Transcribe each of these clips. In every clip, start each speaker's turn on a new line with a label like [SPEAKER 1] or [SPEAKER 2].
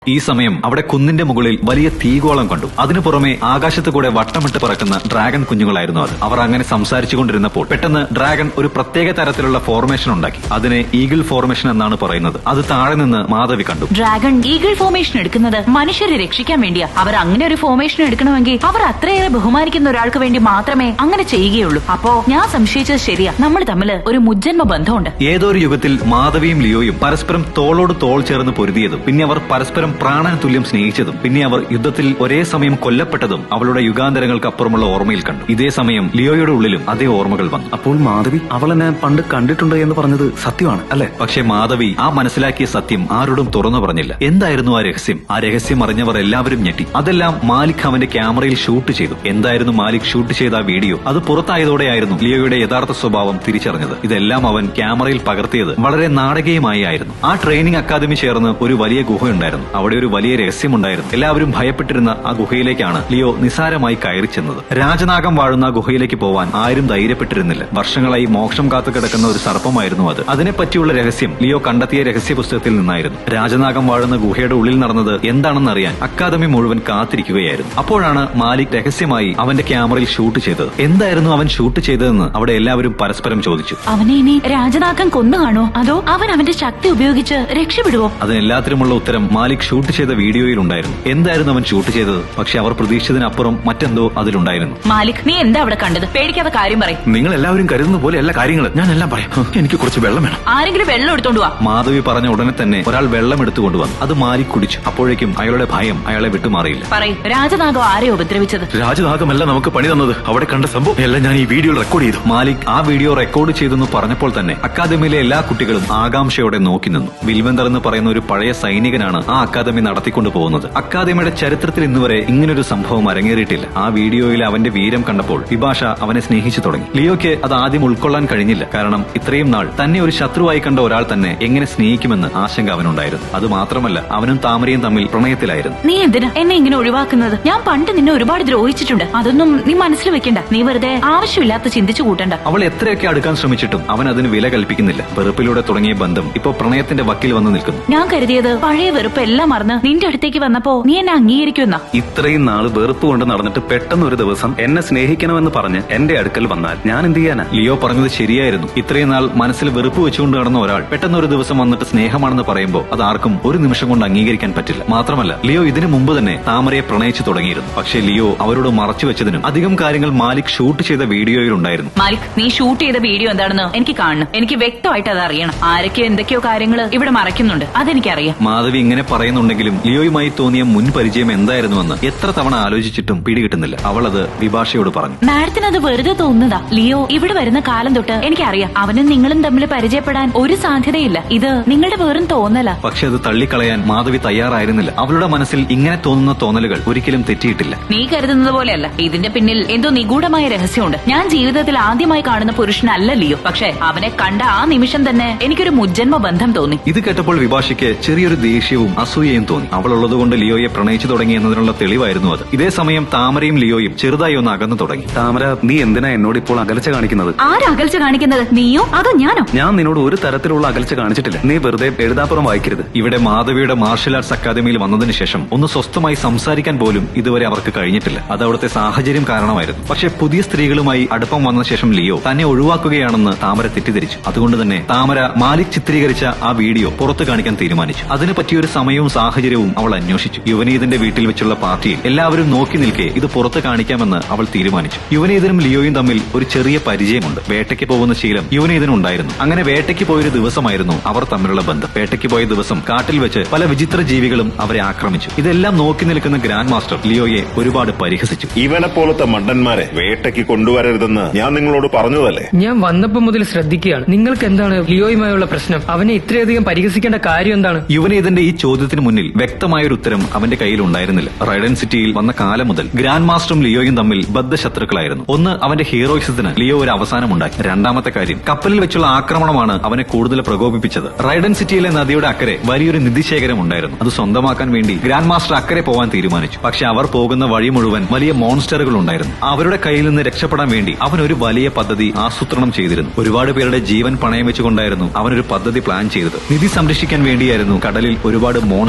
[SPEAKER 1] ഈ സമയം അവിടെ കുന്നിന്റെ മുകളിൽ വലിയ തീഗോളം കണ്ടു. അതിനു പുറമെ ആകാശത്ത് കൂടെ വട്ടമിട്ട് പറക്കുന്ന ഡ്രാഗൺ കുഞ്ഞുങ്ങളായിരുന്നു അത്. അവർ അങ്ങനെ സംസാരിച്ചുകൊണ്ടിരുന്നപ്പോൾ പെട്ടെന്ന് ഡ്രാഗൺ ഒരു പ്രത്യേക തരത്തിലുള്ള ഫോർമേഷൻ ഉണ്ടാക്കി. അതിനെ ഈഗിൾ ഫോർമേഷൻ എന്നാണ് പറയുന്നത്. അത് താഴെ നിന്ന് മാധവി കണ്ടു.
[SPEAKER 2] ഡ്രാഗൺ ഈഗിൾ ഫോർമേഷൻ എടുക്കുന്നത് മനുഷ്യരെ രക്ഷിക്കാൻ വേണ്ടിയാ. അവർ അങ്ങനെ ഒരു ഫോർമേഷൻ എടുക്കണമെങ്കിൽ അവർ അത്രയേറെ ബഹുമാനിക്കുന്ന ഒരാൾക്ക് വേണ്ടി മാത്രമേ അങ്ങനെ ചെയ്യുകയുള്ളൂ. അപ്പോ ഞാൻ സംശയിച്ചത് ശരിയാ, നമ്മൾ തമ്മിൽ ഒരു മുജ്ജന്മ ബന്ധമുണ്ട്.
[SPEAKER 1] ഏതോ ഒരു യുഗത്തിൽ മാധവിയും ലിയോയും പരസ്പരം തോളോട് തോൾ ചേർന്ന് പൊരുതിയതും പിന്നെ അവർ പരസ്പരം പ്രാണന തുല്യം സ്നേഹിച്ചതും പിന്നെ അവർ യുദ്ധത്തിൽ ഒരേ സമയം കൊല്ലപ്പെട്ടതും അവളുടെ യുഗാന്തരങ്ങൾക്ക് അപ്പുറമുള്ള ഓർമ്മയിൽ കണ്ടു. ഇതേ സമയം ലിയോയുടെ ഉള്ളിലും അതേ ഓർമ്മകൾ വന്നു.
[SPEAKER 3] അപ്പോൾ മാധവി അവളെന്നെ പണ്ട് കണ്ടിട്ടുണ്ട് എന്ന് പറഞ്ഞത് സത്യമാണ് അല്ലെ?
[SPEAKER 1] പക്ഷേ മാധവി ആ മനസ്സിലാക്കിയ സത്യം ആരോടും തുറന്നു പറഞ്ഞില്ല. എന്തായിരുന്നു ആ രഹസ്യം? ആ രഹസ്യം അറിഞ്ഞവർ എല്ലാവരും ഞെട്ടി. അതെല്ലാം മാലിക് അവന്റെ ക്യാമറയിൽ ഷൂട്ട് ചെയ്തു. എന്തായിരുന്നു മാലിക് ഷൂട്ട് ചെയ്ത ആ വീഡിയോ? അത് പുറത്തായതോടെയായിരുന്നു ലിയോയുടെ യഥാർത്ഥ സ്വഭാവം തിരിച്ചറിഞ്ഞത്. ഇതെല്ലാം അവൻ ക്യാമറയിൽ പകർത്തിയത് വളരെ നാടകീയമായി ആയിരുന്നു. ആ ട്രെയിനിങ് അക്കാദമി ചേർന്ന് ഒരു വലിയ ഗുഹയുണ്ടായിരുന്നു. അവിടെ ഒരു വലിയ രഹസ്യമുണ്ടായിരുന്നു. എല്ലാവരും ഭയപ്പെട്ടിരുന്ന ആ ഗുഹയിലേക്കാണ് ലിയോ നിസാരമായി കയറി ചെന്നത്. രാജനാഗം വാഴുന്ന ആ ഗുഹയിലേക്ക് പോവാൻ ആരും ധൈര്യപ്പെട്ടിരുന്നില്ല. വർഷങ്ങളായി മോക്ഷം കാത്തു കിടക്കുന്ന ഒരു സർപ്പമായിരുന്നു അത്. അതിനെപ്പറ്റിയുള്ള രഹസ്യം ലിയോ കണ്ടെത്തിയ രഹസ്യ പുസ്തകത്തിൽ നിന്നായിരുന്നു. രാജനാഗം വാഴുന്ന ഗുഹയുടെ ഉള്ളിൽ നടന്നത് എന്താണെന്ന് അറിയാൻ അക്കാദമി മുഴുവൻ കാത്തിരിക്കുകയായിരുന്നു. അപ്പോഴാണ് മാലിക് രഹസ്യമായി അവന്റെ ക്യാമറയിൽ ഷൂട്ട് ചെയ്തത്. എന്തായിരുന്നു അവൻ ഷൂട്ട് ചെയ്തതെന്ന് അവിടെ എല്ലാവരും പരസ്പരം ചോദിച്ചു.
[SPEAKER 2] അവനെ ഇനി രാജനാഗം കൊന്നു കാണോ, അതോ അവൻ അവന്റെ ശക്തി ഉപയോഗിച്ച് രക്ഷപ്പെടുവോ?
[SPEAKER 1] അതിനെല്ലാത്തിനുമുള്ള ഉത്തരം മാലിക് ഷൂട്ട് ചെയ്ത വീഡിയോയിൽ ഉണ്ടായിരുന്നു. എന്തായിരുന്നു അവൻ ഷൂട്ട് ചെയ്തത്? പക്ഷെ അവർ പ്രതീക്ഷിച്ചതിനപ്പുറം മറ്റെന്തോ അതിലുണ്ടായിരുന്നു.
[SPEAKER 2] മാലിക്, നീ എന്താ അവിടെ കണ്ടത്? പേടിക്കാതെ കാര്യം പറയും.
[SPEAKER 3] നിങ്ങൾ എല്ലാവരും കരുതുന്ന പോലെ എല്ലാ കാര്യങ്ങളും ഞാൻ എല്ലാം പറയാം. എനിക്ക് കുറച്ച് വെള്ളം വേണം.
[SPEAKER 2] ആരെങ്കിലും വെള്ളം എടുത്തോണ്ട് വാ.
[SPEAKER 1] മാധവി പറഞ്ഞ ഉടനെ തന്നെ ഒരാൾ വെള്ളം എടുത്തുകൊണ്ടുവന്നു. അത് മാലിക് കുടിച്ചു. അപ്പോഴേക്കും അയാളുടെ ഭയം അയാളെ വിട്ടുമാറിയില്ല.
[SPEAKER 2] പറയും, രാജനാഗം ആരെ ഉപദ്രവിച്ചത്?
[SPEAKER 3] രാജനാഗമല്ല നമുക്ക് പണി തന്നത്. അവിടെ കണ്ട സംഭവം എല്ലാം ഞാൻ ഈ വീഡിയോയിൽ റെക്കോർഡ് ചെയ്തു.
[SPEAKER 1] മാലിക് ആ വീഡിയോ റെക്കോർഡ് ചെയ്തെന്ന് പറഞ്ഞപ്പോൾ തന്നെ അക്കാദമിയിലെ എല്ലാ കുട്ടികളും ആകാംക്ഷയോടെ നോക്കി നിന്നു. വിൽവന്തർ എന്ന് പറയുന്ന ഒരു പഴയ സൈനികനാണ് ആ അക്കാദമി നടത്തിക്കൊണ്ടു പോകുന്നത്. അക്കാദമിയുടെ ചരിത്രത്തിൽ ഇന്നുവരെ ഇങ്ങനൊരു സംഭവം അരങ്ങേറിയിട്ടില്ല. ആ വീഡിയോയിൽ അവന്റെ വീര്യം കണ്ടപ്പോൾ വിഭാഷ അവനെ സ്നേഹിച്ചു തുടങ്ങി. ലിയോയ്ക്ക് അത് ആദ്യം ഉൾക്കൊള്ളാൻ കഴിഞ്ഞില്ല. കാരണം ഇത്രയും നാൾ തന്നെ ഒരു ശത്രുവായി കണ്ട ഒരാൾ തന്നെ എങ്ങനെ സ്നേഹിക്കുമെന്ന് ആശങ്ക അവനുണ്ടായിരുന്നു. അത് മാത്രമല്ല, അവനും താമരയും തമ്മിൽ പ്രണയത്തിലായിരുന്നു.
[SPEAKER 2] നീ എന്തിനാ എന്നെ ഇങ്ങനെ ഒഴിവാക്കുന്നത്? ഞാൻ പണ്ട് നിന്നെ ഒരുപാട് ദ്രോഹിച്ചിട്ടുണ്ട്. അതൊന്നും നീ മനസ്സിൽ വെക്കണ്ട. നീ വെറുതെ ആവശ്യമില്ലാത്ത ചിന്തിച്ചു കൂട്ടണ്ട.
[SPEAKER 1] അവൾ എത്രയൊക്കെ അടുക്കാൻ ശ്രമിച്ചിട്ടും അവൻ അതിന് വില കൽപ്പിക്കുന്നില്ല. വെറുപ്പിലൂടെ തുടങ്ങിയ ബന്ധം ഇപ്പോ പ്രണയത്തിന്റെ വക്കിൽ വന്ന് നിൽക്കുന്നു.
[SPEAKER 2] ഞാൻ കരുതിയത് പഴയ വെറുപ്പ് എല്ലാം മറന്ന് നിന്റെ അടുത്തേക്ക് വന്നപ്പോ നീ എന്നെ അംഗീകരിക്കുമെന്ന.
[SPEAKER 3] ഇത്രയും നാള് വെറുപ്പ് കൊണ്ട് നടന്നിട്ട് പെട്ടെന്ന് ഒരു ദിവസം എന്നെ സ്നേഹിക്കണമെന്ന് പറഞ്ഞ് എന്റെ അടുക്കൽ വന്നാൽ ഞാൻ എന്ത് ചെയ്യാനാ?
[SPEAKER 1] ലിയോ പറഞ്ഞത് ശരിയായിരുന്നു. ഇത്രയും നാൾ മനസ്സിൽ വെറുപ്പ് വെച്ചുകൊണ്ട് നടന്ന ഒരാൾ പെട്ടെന്ന് ഒരു ദിവസം വന്നിട്ട് സ്നേഹമാണെന്ന് പറയുമ്പോൾ അത് ആർക്കും ഒരു നിമിഷം കൊണ്ട് അംഗീകരിക്കാൻ പറ്റില്ല. മാത്രമല്ല, ലിയോ ഇതിനു മുമ്പ് തന്നെ താമരയെ പ്രണയിച്ചു തുടങ്ങിയിരുന്നു. പക്ഷേ ലിയോ അവരോട് മറച്ചു വെച്ചതിനും അധികം കാര്യങ്ങൾ മാലിക് ഷൂട്ട് ചെയ്ത വീഡിയോയിൽ ഉണ്ടായിരുന്നു.
[SPEAKER 2] മാലിക്, നീ ഷൂട്ട് ചെയ്ത വീഡിയോ എന്താണെന്ന് എനിക്ക് കാണണം. എനിക്ക് വ്യക്തമായിട്ട് അത് അറിയണം. ആരൊക്കെ എന്തൊക്കെയോ കാര്യങ്ങൾ ഇവിടെ മറയ്ക്കുന്നുണ്ട്, അതെനിക്കറിയാം.
[SPEAKER 1] മാധവി ഇങ്ങനെ പറയുന്നുണ്ടെങ്കിലും ലിയോയുമായി തോന്നിയ മുൻ പരിചയം എന്തായിരുന്നുവെന്ന് എത്ര തവണ ആലോചിച്ചിട്ടും പിടികിട്ടുന്നില്ല. അവൾ അത് വിഭാഷയോട് പറഞ്ഞു.
[SPEAKER 2] മാഡത്തിന് അത് വെറുതെ തോന്നുന്നതാ. ലിയോ ഇവിടെ വരുന്ന കാലം തൊട്ട് എനിക്കറിയാം അവനും നിങ്ങളും തമ്മിൽ പരിചയപ്പെടാൻ ഒരു സാധ്യതയില്ല. ഇത് നിങ്ങളുടെ വെറും തോന്നല.
[SPEAKER 1] പക്ഷെ അത് തള്ളിക്കളയാൻ മാധവി തയ്യാറായിരുന്നില്ല. അവളുടെ മനസ്സിൽ ഇങ്ങനെ തോന്നുന്ന തോന്നലുകൾ ഒരിക്കലും തെറ്റിയിട്ടില്ല.
[SPEAKER 2] നീ കരുതുന്നത് പോലെയല്ല. ഇതിന്റെ പിന്നിൽ എന്തോ നിഗൂഢമായ രഹസ്യമുണ്ട്. ഞാൻ ജീവിതത്തിൽ ആദ്യമായി കാണുന്ന പുരുഷനല്ല ലിയോ. പക്ഷെ അവനെ കണ്ട ആ നിമിഷം തന്നെ എനിക്കൊരു മുജ്ജന്മ ബന്ധം തോന്നി.
[SPEAKER 1] ഇത് കേട്ടപ്പോൾ വിഭാഷയ്ക്ക് ചെറിയൊരു ദേഷ്യവും അസൂയയും തോന്നി. അവൾ ഉള്ളതുകൊണ്ട് ലിയോയെ പ്രണയിച്ചു തുടങ്ങി എന്നതിനുള്ള തെളിവായിരുന്നു അത്. ഇതേ സമയം താമരയും ലിയോയും ചെറുതായി ഒന്ന് അകന്നു തുടങ്ങി.
[SPEAKER 3] താമര, നീ എന്തിനാ എന്നോട് ഇപ്പോൾ അകൽച്ച കാണിക്കുന്നത്?
[SPEAKER 2] ആരകൽച്ച കാണിക്കുന്നത്? നീയോ അതോ ഞാനോ?
[SPEAKER 3] ഞാൻ നിന്നോട് ഒരു തരത്തിലുള്ള അകൽച്ച കാണിച്ചിട്ടില്ല. നീ വെറുതെ എഴുതാപ്പുറം വായിക്കരുത്.
[SPEAKER 1] ഇവിടെ മാധവിയുടെ മാർഷൽ ആർട്സ് അക്കാദമിയിൽ വന്നതിന് ശേഷം ഒന്ന് സ്വസ്ഥമായി സംസാരിക്കാൻ പോലും ഇതുവരെ അവർക്ക് കഴിഞ്ഞിട്ടില്ല. അത് അവിടുത്തെ സാഹചര്യം കാരണമായിരുന്നു. പക്ഷെ പുതിയ സ്ത്രീകളുമായി അടുപ്പം വന്ന ശേഷം ലിയോ തന്നെ ഒഴിവാക്കുകയാണെന്ന് താമര തെറ്റിദ്ധരിച്ചു. അതുകൊണ്ട് തന്നെ താമര മാലിക് ചിത്രീകരിച്ച ആ വീഡിയോ പുറത്തു കാണിക്കാൻ തീരുമാനിച്ചു. അതിന് പറ്റിയൊരു സമയവും സാഹചര്യവും അവൾ അന്വേഷിച്ചു. യുവനീതിന്റെ വീട്ടിൽ വെച്ചുള്ള പാർട്ടിയിൽ എല്ലാവരും നോക്കി നിൽക്കെ ഇത് പുറത്ത് കാണിക്കാമെന്ന് അവൾ തീരുമാനിച്ചു. യുവനീതനും ലിയോയും തമ്മിൽ ഒരു ചെറിയ പരിചയമുണ്ട്. വേട്ടയ്ക്ക് പോകുന്ന ശീലം യുവനീതനുണ്ടായിരുന്നു. അങ്ങനെ വേട്ടയ്ക്ക് പോയൊരു ദിവസമായിരുന്നു അവർ തമ്മിലുള്ള ബന്ധം. വേട്ടയ്ക്ക് പോയ ദിവസം കാട്ടിൽ വെച്ച് പല വിചിത്ര ജീവികളും അവരെ ആക്രമിച്ചു. ഇതെല്ലാം നോക്കി നിൽക്കുന്ന ഗ്രാൻഡ് മാസ്റ്റർ ലിയോയെ ഒരുപാട് പരിഹസിച്ചു.
[SPEAKER 4] ഇവനെ പോലത്തെ മണ്ടന്മാരെ വേട്ടയ്ക്ക് കൊണ്ടുവരരുതെന്ന് ഞാൻ നിങ്ങളോട് പറഞ്ഞതല്ലേ?
[SPEAKER 5] ഞാൻ വന്നപ്പോ മുതൽ ശ്രദ്ധിക്കുകയാണ്. നിങ്ങൾക്ക് എന്താണ് ലിയോയുമായുള്ള പ്രശ്നം? അവനെ ഇത്രയധികം പരിഹസിക്കേണ്ട കാര്യം എന്താണ്?
[SPEAKER 1] യുവനീതന്റെ ഈ ചോദ്യത്തിന് മുന്നിൽ വ്യക്തമായൊരു ഉത്തരം അവന്റെ കയ്യിൽ ഉണ്ടായിരുന്നില്ല. റൈഡൻ സിറ്റിയിൽ വന്ന കാലം മുതൽ ഗ്രാൻഡ് മാസ്റ്ററും ലിയോയും തമ്മിൽ ബദ്ധശത്രുക്കളായിരുന്നു. ഒന്ന്, അവന്റെ ഹീറോയിസത്തിന് ലിയോ ഒരു അവസാനമുണ്ടാക്കി. രണ്ടാമത്തെ കാര്യം, കപ്പലിൽ വെച്ചുള്ള ആക്രമണമാണ് അവനെ കൂടുതൽ പ്രകോപിപ്പിച്ചത്. റൈഡൻ സിറ്റിയിലെ നദിയുടെ അക്കരെ വലിയൊരു നിധിശേഖരം ഉണ്ടായിരുന്നു. അത് സ്വന്തമാക്കാൻ വേണ്ടി ഗ്രാൻഡ് മാസ്റ്റർ അക്കരെ പോവാൻ തീരുമാനിച്ചു. പക്ഷെ അവർ പോകുന്ന വഴി മുഴുവൻ വലിയ മോൺസ്റ്ററുകൾ ഉണ്ടായിരുന്നു. അവരുടെ കയ്യിൽ നിന്ന് രക്ഷപ്പെടാൻ വേണ്ടി അവൻ ഒരു വലിയ പദ്ധതി ആസൂത്രണം ചെയ്തിരുന്നു. ഒരുപാട് പേരുടെ ജീവൻ പണയം വെച്ചുകൊണ്ടായിരുന്നു അവനൊരു പദ്ധതി പ്ലാൻ ചെയ്തത്. നിധി സംരക്ഷിക്കാൻ വേണ്ടിയായിരുന്നു കടലിൽ ഒരുപാട് മോൺസ്റ്റർ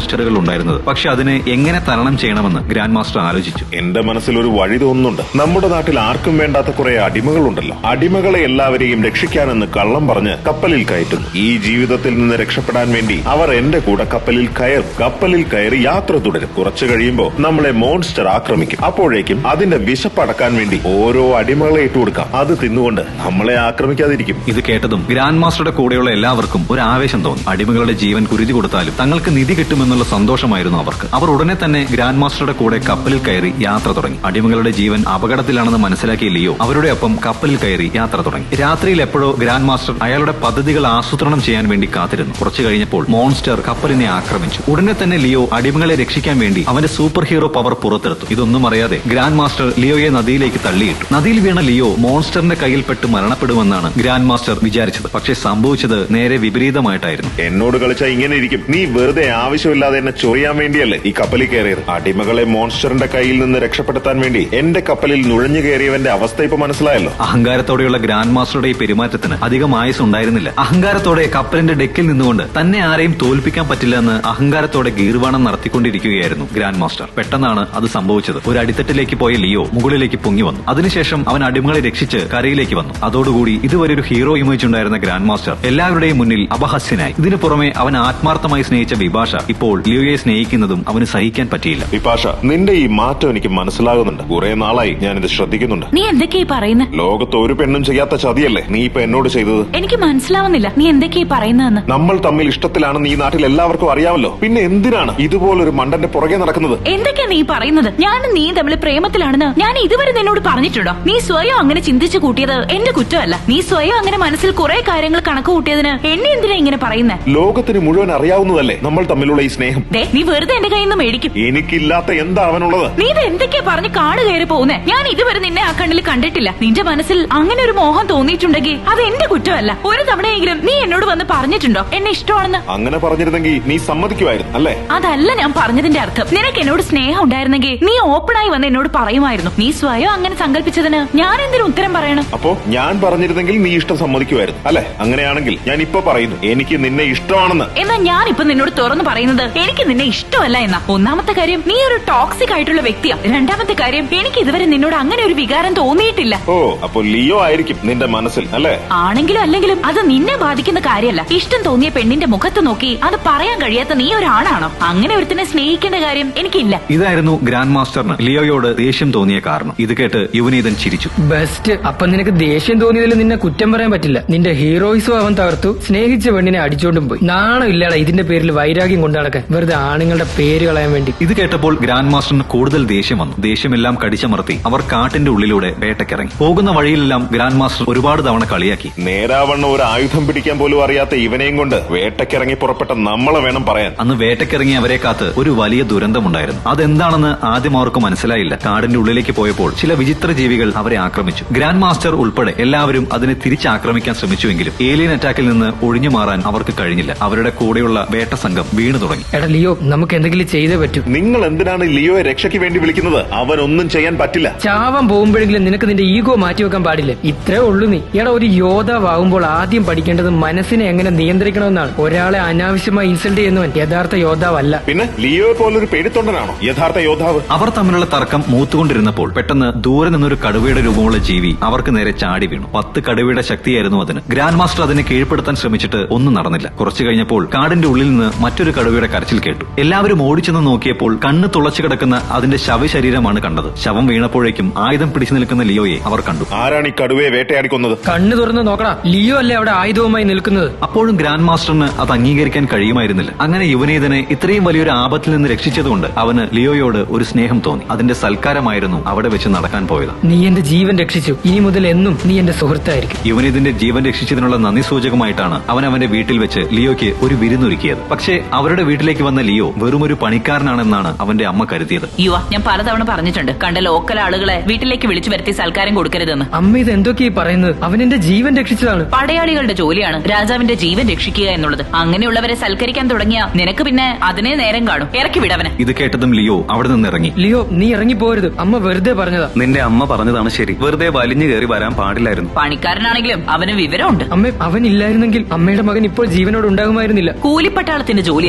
[SPEAKER 1] മോൺസ്റ്ററുകൾ ഉണ്ടായിരുന്നത്. പക്ഷെ അതിനെ എങ്ങനെ തരണം ചെയ്യണമെന്ന് ഗ്രാൻഡ് മാസ്റ്റർ ആലോചിച്ചു.
[SPEAKER 4] എന്റെ മനസ്സിൽ ഒരു വഴി തോന്നുന്നുണ്ട്. നമ്മുടെ നാട്ടിൽ ആർക്കും വേണ്ടാത്ത കുറെ അടിമകളുണ്ടല്ലോ. അടിമകളെ എല്ലാവരെയും രക്ഷിക്കാനെന്ന് കള്ളം പറഞ്ഞ് കപ്പലിൽ കയറ്റുന്നു. ഈ ജീവിതത്തിൽ നിന്ന് രക്ഷപ്പെടാൻ വേണ്ടി അവർ എന്റെ കൂടെ കപ്പലിൽ കയറും. കപ്പലിൽ കയറി യാത്ര തുടരും. കുറച്ചു കഴിയുമ്പോൾ നമ്മളെ മോൺസ്റ്റർ ആക്രമിക്കും. അപ്പോഴേക്കും അതിന്റെ വിശപ്പടക്കാൻ വേണ്ടി ഓരോ അടിമകളെ ഇട്ടുകൊടുക്കാം. അത് തിന്നുകൊണ്ട് നമ്മളെ ആക്രമിക്കാതിരിക്കും.
[SPEAKER 1] ഇത് കേട്ടതും ഗ്രാൻഡ് മാസ്റ്ററുടെ കൂടെയുള്ള എല്ലാവർക്കും ഒരു ആവേശം തോന്നി. അടിമകളുടെ ജീവൻ കുരുതി കൊടുത്താലും തങ്ങൾക്ക് നിധി കിട്ടുമെന്നുള്ള സന്തോഷമായിരുന്നു അവർക്ക്. അവർ ഉടനെ തന്നെ ഗ്രാൻഡ് മാസ്റ്ററുടെ കൂടെ കപ്പലിൽ കയറി യാത്ര തുടങ്ങി. അടിമകളുടെ ജീവൻ അപകടത്തിലാണെന്ന് മനസ്സിലാക്കിയ ലിയോ അവരുടെ ഒപ്പം കപ്പലിൽ കയറി യാത്ര തുടങ്ങി. രാത്രിയിൽ എപ്പോഴോ ഗ്രാൻഡ് മാസ്റ്റർ അയാളുടെ പദ്ധതികൾ ആസൂത്രണം ചെയ്യാൻ വേണ്ടി കാത്തിരുന്നു. കുറച്ചു കഴിഞ്ഞപ്പോൾ മോൺസ്റ്റർ കപ്പലിനെ ആക്രമിച്ചു. ഉടനെ തന്നെ ലിയോ അടിമകളെ രക്ഷിക്കാൻ വേണ്ടി അവന്റെ സൂപ്പർ ഹീറോ പവർ പുറത്തെടുത്തു. ഇതൊന്നും അറിയാതെ ഗ്രാൻഡ് മാസ്റ്റർ ലിയോയെ നദിയിലേക്ക് തള്ളിയിട്ടു. നദിയിൽ വീണ ലിയോ മോൺസ്റ്ററിന്റെ കയ്യിൽപ്പെട്ട് മരണപ്പെടുമെന്നാണ് ഗ്രാൻഡ് മാസ്റ്റർ വിചാരിച്ചത്. പക്ഷേ സംഭവിച്ചത് നേരെ വിപരീതമായിട്ടായിരുന്നു.
[SPEAKER 4] എന്നോട് കളിച്ചാൽ ഇങ്ങനെ ഇരിക്കും. നീ വെറുതെ ആവശ്യമില്ലാതെ എന്നെ ചൊറിയാൻ വേണ്ടിയല്ലേ ഈ കപ്പലിൽ കയറിയത്. അടിമകളെ മോൺസ്റ്ററിന്റെ കയ്യിൽ നിന്ന് രക്ഷപ്പെടുത്താൻ വേണ്ടി എന്റെ കപ്പലിൽ നുഴഞ്ഞു കയറിയവന്റെ അവസ്ഥ ഇപ്പൊ മനസ്സിലായല്ലോ.
[SPEAKER 1] അഹങ്കാരത്തോടെയുള്ള ഗ്രാൻഡ് മാസ്റ്ററുടെ ഈ പെരുമാറ്റത്തിന് അധികം ആയുസ് ഉണ്ടായിരുന്നില്ല. അഹങ്കാരത്തോടെ കപ്പലിന്റെ ഡെക്കിൽ നിന്നുകൊണ്ട് തന്നെ ആരെയും തോൽപ്പിക്കാൻ പറ്റില്ല എന്ന് അഹങ്കാരത്തോടെ ഗീർവാണം നടത്തിക്കൊണ്ടിരിക്കുകയായിരുന്നു ഗ്രാൻഡ് മാസ്റ്റർ. പെട്ടെന്നാണ് അത് സംഭവിച്ചത്. ഒരു അടിത്തട്ടിലേക്ക് പോയ ലിയോ മുകളിലേക്ക് പൊങ്ങി വന്നു. അതിനുശേഷം അവൻ അടിമകളെ രക്ഷിച്ച് കരയിലേക്ക് വന്നു. അതോടുകൂടി ഇതുവരെ ഒരു ഹീറോ ഇമേജ് ഉണ്ടായിരുന്ന ഗ്രാൻഡ് മാസ്റ്റർ എല്ലാവരുടെയും മുന്നിൽ അപഹാസ്യനായി. ഇതിനു പുറമെ അവൻ ആത്മാർത്ഥമായി സ്നേഹിച്ച വിഭാഷ ഇപ്പോൾ ലിയോയെ സ്നേഹിക്കുന്നതും അവന് സഹിക്കാൻ പറ്റിയില്ല.
[SPEAKER 4] വിപാഷ, നിന്റെ ഈ മാറ്റം എനിക്ക് മനസ്സിലാകുന്നുണ്ട്. കുറെ നാളായി ഞാനിത് ശ്രദ്ധിക്കുന്നുണ്ട്.
[SPEAKER 2] നീ എന്തൊക്കെയാ പറയുന്നത്?
[SPEAKER 4] ലോകത്ത് ഒരു പെണ്ണും ചെയ്യാത്ത ചതിയല്ലേ നീ ഇപ്പൊ എന്നോട് ചെയ്തത്.
[SPEAKER 2] എനിക്ക് മനസ്സിലാവുന്നില്ല നീ എന്തൊക്കെയാ പറയുന്നതെന്ന്.
[SPEAKER 4] നമ്മൾ തമ്മിൽ ഇഷ്ടത്തിലാണെന്ന് ഈ നാട്ടിൽ എല്ലാവർക്കും അറിയാമല്ലോ. പിന്നെ എന്തിനാണ് ഇതുപോലൊരു മണ്ടന്റെ പുറകെ നടക്കുന്നത്?
[SPEAKER 2] എന്തൊക്കെയാ നീ പറയുന്നത്? ഞാനും നീ തമ്മിൽ പ്രേമത്തിലാണെന്ന് ഞാൻ ഇതുവരെ നിന്നോട് പറഞ്ഞിട്ടുണ്ടോ? നീ സ്വയം അങ്ങനെ ചിന്തിച്ചു കൂട്ടിയത് എന്റെ കുറ്റമല്ല. നീ സ്വയം അങ്ങനെ മനസ്സിൽ കുറെ കാര്യങ്ങൾ കണക്ക് കൂട്ടിയതിന് എന്നെ എന്തിനാ ഇങ്ങനെ പറയുന്നേ?
[SPEAKER 4] ലോകത്തിന് മുഴുവൻ അറിയാവുന്നതല്ലേ നമ്മൾ തമ്മിലുള്ള ഈ സ്നേഹം.
[SPEAKER 2] നീ വെറുതെ എന്റെ കയ്യിൽ നിന്ന് മേടിക്കും.
[SPEAKER 4] എനിക്കില്ലാത്ത എന്താ അവനുള്ളത്?
[SPEAKER 2] നീ ഇത് എന്തൊക്കെയാ പറഞ്ഞ് കാട് കയറി പോകുന്നേ? ഞാൻ ഇതുവരെ നിന്നെ ആ കണ്ണിൽ കണ്ടിട്ടില്ല. നിന്റെ മനസ്സിൽ അങ്ങനെ ഒരു മോഹം തോന്നിയിട്ടുണ്ടെങ്കിൽ അത് എന്റെ കുറ്റമല്ല. ഒരു തവണയെങ്കിലും നീ എന്നോട് വന്ന് പറഞ്ഞിട്ടുണ്ടോ എന്നെ ഇഷ്ടമാണെന്ന്?
[SPEAKER 4] അങ്ങനെ പറഞ്ഞിരുന്നെങ്കിൽ നീ സമ്മതിക്കുമായിരുന്നു അല്ലേ?
[SPEAKER 2] അതല്ല ഞാൻ പറഞ്ഞതിന്റെ അർത്ഥം. നിനക്ക് എന്നോട് സ്നേഹം ഉണ്ടായിരുന്നെങ്കിൽ നീ ഓപ്പണായി വന്ന് എന്നോട് പറയുമായിരുന്നു. നീ സ്വയം അങ്ങനെ സങ്കല്പിച്ചതിന് ഞാൻ എന്തിനു ഉത്തരം പറയണം?
[SPEAKER 4] അപ്പോ ഞാൻ പറഞ്ഞിരുന്നെങ്കിൽ നീ ഇഷ്ടം സമ്മതിക്കുമായിരുന്നു അല്ലെ? അങ്ങനെയാണെങ്കിൽ ഞാൻ ഇപ്പൊ പറയുന്നു എനിക്ക് നിന്നെ ഇഷ്ടമാണെന്ന്.
[SPEAKER 2] എന്നാ ഞാൻ ഇപ്പൊ നിന്നോട് തുറന്നു പറയുന്നത് എനിക്ക് നിന്നെ ഇഷ്ടമല്ല എന്നാ. ഒന്നാമത്തെ കാര്യം നീ ഒരു ടോക്സിക് ആയിട്ടുള്ള വ്യക്തിയാ. രണ്ടാമത്തെ കാര്യം എനിക്ക് ഇതുവരെ നിന്നോട് അങ്ങനെ ഒരു വികാരം തോന്നിയിട്ടില്ല.
[SPEAKER 4] ഓ, അപ്പൊ ലിയോ ആയിരിക്കും നിന്റെ മനസ്സിൽ അല്ലേ?
[SPEAKER 2] ആണെങ്കിലും അല്ലെങ്കിലും അത് നിന്നെ ബാധിക്കുന്ന കാര്യമല്ല. ഇഷ്ടം തോന്നിയ പെണ്ണിന്റെ മുഖത്ത് നോക്കി അത് പറയാൻ കഴിയാത്ത നീ ഒരാണാണോ? അങ്ങനെ ഒരുത്തിനെ സ്നേഹിക്കേണ്ട കാര്യം എനിക്കില്ല.
[SPEAKER 1] ഇതായിരുന്നു ഗ്രാൻഡ് മാസ്റ്ററിന് ലിയോയോട് ദേഷ്യം തോന്നിയ കാരണം. ഇത് കേട്ട് യുവനീതൻ ചിരിച്ചു.
[SPEAKER 5] ബെസ്റ്റ്. അപ്പൊ നിനക്ക് ദേഷ്യം തോന്നിയതിൽ നിന്നെ കുറ്റം പറയാൻ പറ്റില്ല. നിന്റെ ഹീറോയിസും അവൻ തകർത്തു, സ്നേഹിച്ച പെണ്ണിനെ അടിച്ചോണ്ടും പോയി. നാണം ഇല്ലാടാ ഇതിന്റെ പേരിൽ വൈരാഗ്യം കൊണ്ടു നടക്കാൻ, വെറുതെ ആണുങ്ങളുടെ പേര് കളയാൻ വേണ്ടി.
[SPEAKER 1] ഇത് കേട്ടപ്പോൾ ഗ്രാൻഡ് മാസ്റ്ററിന് കൂടുതൽ ദേഷ്യം വന്നു. ദേഷ്യമെല്ലാം കടിച്ചമർത്തി അവർ കാട്ടിന്റെ ഉള്ളിലൂടെ വേട്ടക്കിറങ്ങി. പോകുന്ന വഴിയിലെല്ലാം ഗ്രാൻഡ് മാസ്റ്റർ ഒരുപാട് തവണ കളിയാക്കി.
[SPEAKER 4] നേരാവണ്ണം ഒരു ആയുധം പിടിക്കാൻ പോലും അറിയാത്ത ഇവനെയും കൊണ്ട് വേട്ടക്കിറങ്ങി പുറപ്പെട്ട നമ്മളെ വേണം പറയാൻ.
[SPEAKER 1] അന്ന് വേട്ടക്കിറങ്ങി അവരെ കാത്ത് ഒരു വലിയ ദുരന്തമുണ്ടായിരുന്നു. അതെന്താണെന്ന് ആദ്യം അവർക്ക് മനസ്സിലായില്ല. കാടിന്റെ ഉള്ളിലേക്ക് പോയപ്പോൾ ചില വിചിത്ര ജീവികൾ അവരെ ആക്രമിച്ചു. ഗ്രാൻഡ് മാസ്റ്റർ ഉൾപ്പെടെ എല്ലാവരും അതിനെ തിരിച്ചാക്രമിക്കാൻ ശ്രമിച്ചുവെങ്കിലും ഏലിയൻ അറ്റാക്കിൽ നിന്ന് ഒഴിഞ്ഞു മാറാൻ അവർക്ക് കഴിഞ്ഞില്ല. അവരുടെ കൂടെയുള്ള വേട്ട സംഘം വീണു തുടങ്ങി.
[SPEAKER 5] എടാ ലിയോ, നമുക്ക് എന്തെങ്കിലും ചെയ്തേ പറ്റൂ.
[SPEAKER 4] നിങ്ങൾ എന്തിനാണ് ലിയോയെ രക്ഷയ്ക്ക് വേണ്ടി വിളിക്കുന്നത്? അവനൊന്നും ചെയ്യാൻ പറ്റില്ല.
[SPEAKER 5] ചാവാൻ പോകുമ്പോഴെങ്കിലും നിനക്ക് നിന്റെ ഈഗോ മാറ്റിവെക്കാൻ പാടില്ലേ? ഇത്രേ ഉള്ളൂ നീ. എടാ, ഒരു യോദ്ധാവാകുമ്പോൾ ആദ്യം പഠിക്കേണ്ടത് മനസ്സിനെ എങ്ങനെ നിയന്ത്രിക്കണമെന്നാണ്. ഒരാളെ അനാവശ്യമായി ഇൻസൾട്ട് ചെയ്യുന്നവൻ യഥാർത്ഥ യോദ്ധാവല്ല.
[SPEAKER 4] പിന്നെ ലിയോയെ പോലൊരു പേടിത്തൊണ്ടനാണോ യഥാർത്ഥ യോദ്ധാവ്?
[SPEAKER 1] അവർ തമ്മിലുള്ള തർക്കം മൂത്തുകൊണ്ടിരുന്നപ്പോൾ പെട്ടെന്ന് ദൂരെ നിന്നൊരു കടുവയുടെ രൂപമുള്ള ജീവി അവർക്ക് നേരെ ചാടി വീണു. 10 കടുവയുടെ ശക്തിയായിരുന്നു അതിന്. ഗ്രാൻഡ് മാസ്റ്റർ അതിനെ കീഴ്പ്പെടുത്താൻ ശ്രമിച്ചിട്ട് ഒന്നും നടന്നില്ല. കുറച്ചു കഴിഞ്ഞപ്പോൾ കാടിന്റെ ഉള്ളിൽ നിന്ന് മറ്റൊരു കടുവയുടെ കരച്ചിൽ കേട്ടു. എല്ലാവരും ഓടിച്ചെന്ന് നോക്കിയപ്പോൾ കണ്ണ് തുളച്ചു കിടക്കുന്ന അതിന്റെ ശവശരീരമാണ് കണ്ടത്. ശവം വീണപ്പോഴേക്കും ആയുധം പിടിച്ചു നിൽക്കുന്ന ലിയോയെ അവർ കണ്ടു.
[SPEAKER 4] ആരാണ് ഈ കടുവയെ വേട്ടയാടിക്കൊന്നത്?
[SPEAKER 5] കണ്ണു തുറന്ന് നോക്കടാ, ലിയോ അല്ലേ അവിടെ ആയുധവുമായി നിൽക്കുന്നത്.
[SPEAKER 1] അപ്പോഴും ഗ്രാൻഡ് മാസ്റ്ററിന് അത് അംഗീകരിക്കാൻ കഴിയുമായിരുന്നില്ല. അങ്ങനെ യുവനീതനെ ഇത്രയും വലിയൊരു ആപത്തിൽ നിന്ന് രക്ഷിച്ചതുകൊണ്ട് അവന് ലിയോയോട് ഒരു സ്നേഹം തോന്നി. അതിന്റെ സൽക്കാരമായിരുന്നു അവിടെ വെച്ച് നടക്കാൻ പോയത്.
[SPEAKER 5] നീ എന്റെ ജീവൻ രക്ഷിച്ചു, ഇനി മുതൽ എന്നും നീ എന്റെ സുഹൃത്തായിരിക്കും.
[SPEAKER 1] യുവനീതിന്റെ ജീവൻ രക്ഷിച്ചതിനുള്ള നന്ദി സൂചകമായിട്ടാണ് അവൻ അവന്റെ വീട്ടിൽ വെച്ച് ലിയോയ്ക്ക് ഒരു വിരുന്നൊരുക്കിയത്. പക്ഷേ അവരുടെ വീട്ടിലേക്ക് വന്ന ലിയോ വെറുമൊരു പണിക്കാരനാണെന്നാണ് അവന്റെ അമ്മ കരുതിയത്.
[SPEAKER 2] ഞാൻ പലതവണ പറഞ്ഞിട്ടുണ്ട്, കണ്ട ലോക്കൽ ആളുകളെ വീട്ടിലേക്ക് വിളിച്ചു വരുത്തി സൽക്കാരം കൊടുക്കരുതെന്ന്.
[SPEAKER 5] അമ്മ ഇത് എന്തൊക്കെയാ പറയുന്നത്? അവൻ എന്റെ ജീവൻ രക്ഷിച്ചതാണ്.
[SPEAKER 2] പടയാളികളുടെ ജോലിയാണ് രാജാവിന്റെ ജീവൻ രക്ഷിക്കുക എന്നുള്ളത്. അങ്ങനെയുള്ളവരെ സൽക്കരിക്കാൻ തുടങ്ങിയ നിനക്ക് പിന്നെ അതിനെ നേരം കാണും. ഇറക്കി വിടവനെ.
[SPEAKER 1] ഇത് കേട്ടതും ലിയോ അവിടെ നിന്ന് ഇറങ്ങി.
[SPEAKER 5] ലിയോ, നീ ഇറങ്ങി പോരുത്. അമ്മ വെറുതെ പറഞ്ഞതാ.
[SPEAKER 3] നിന്റെ അമ്മ പറഞ്ഞതാണ് ശരി. വെറുതെ വലിഞ്ഞു കയറി വരാൻ പാടില്ലായിരുന്നു.
[SPEAKER 2] പണിക്കാരനാണെങ്കിലും അവന് വിവരമുണ്ട്.
[SPEAKER 5] അമ്മ, അവൻ ഇല്ലായിരുന്നെങ്കിൽ അമ്മയുടെ മകൻ ഇപ്പോൾ ജീവനോട് ഉണ്ടാകുമായിരുന്നില്ല.
[SPEAKER 2] കൂലിപ്പട്ടാളത്തിന്റെ ജോലിയാ. നിന്നെ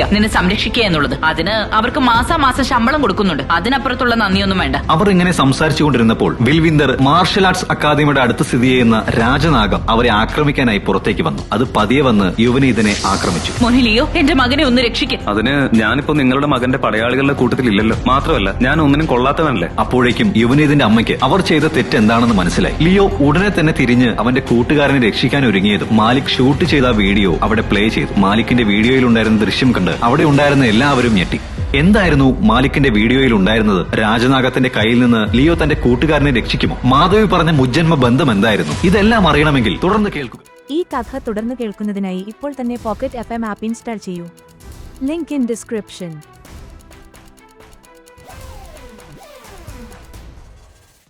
[SPEAKER 2] സംരക്ഷിക്കുക എന്നുള്ളത്. അതിന് അവർക്ക് മാസാമാസം ശമ്പളം കൊടുക്കുന്നുണ്ട്. അതിനപ്പുറത്തുള്ള നന്ദിയൊന്നും വേണ്ട.
[SPEAKER 1] അവർ ഇങ്ങനെ സംസാരിച്ചുകൊണ്ടിരുന്നപ്പോൾ ബിൽവിന്ദർ മാർഷൽ ആർട്സ് അക്കാദമിയുടെ അടുത്ത് സ്ഥിതി ചെയ്യുന്ന രാജനാഗം അവരെ ആക്രമിക്കാനായി പുറത്തേക്ക് വന്നു. അത് പതിയെ വന്ന് യുവനീതിനെ ആക്രമിച്ചു.
[SPEAKER 2] മോനിലിയോ, എന്റെ മകനെ ഒന്ന് രക്ഷിക്കും.
[SPEAKER 3] അതിന് ഞാനിപ്പോ നിങ്ങളുടെ മകന്റെ പടയാളികളുടെ കൂട്ടത്തിലില്ലല്ലോ. മാത്രമല്ല ഞാൻ ഒന്നിനും കൊള്ളാത്തവനല്ലേ.
[SPEAKER 1] അപ്പോഴേക്കും യുവനീതിന്റെ അമ്മയ്ക്ക് അവർ ചെയ്ത തെറ്റ് എന്താണെന്ന് മനസ്സിലായി. ലിയോ ഉടനെ തന്നെ തിരിഞ്ഞ് അവന്റെ കൂട്ടുകാരനെ രക്ഷിക്കാൻ ഒരുങ്ങിയതും മാലിക് ഷൂട്ട് ചെയ്ത വീഡിയോ അവിടെ പ്ലേ ചെയ്തു. മാലിക്കിന്റെ വീഡിയോയിൽ ഉണ്ടായിരുന്ന ദൃശ്യം കണ്ട് അവിടെ ഉണ്ടായിരുന്ന എല്ലാവരും ഞെട്ടി. എന്തായിരുന്നു മാലിക്കിന്റെ വീഡിയോയിൽ ഉണ്ടായിരുന്നത്? രാജനാഗത്തിന്റെ കയ്യിൽ നിന്ന് ലിയോ തന്റെ കൂട്ടുകാരനെ രക്ഷിക്കുമോ? മാധവി പറഞ്ഞ മുജ്ജന്മ ബന്ധം എന്തായിരുന്നു? ഇതെല്ലാം അറിയണമെങ്കിൽ തുടർന്ന് കേൾക്കുക.
[SPEAKER 6] ഈ കഥ തുടർന്ന് കേൾക്കുന്നതിനായി ഇപ്പോൾ തന്നെ പോക്കറ്റ് FM ആപ്പ് ഇൻസ്റ്റാൾ ചെയ്യൂ. Link in description.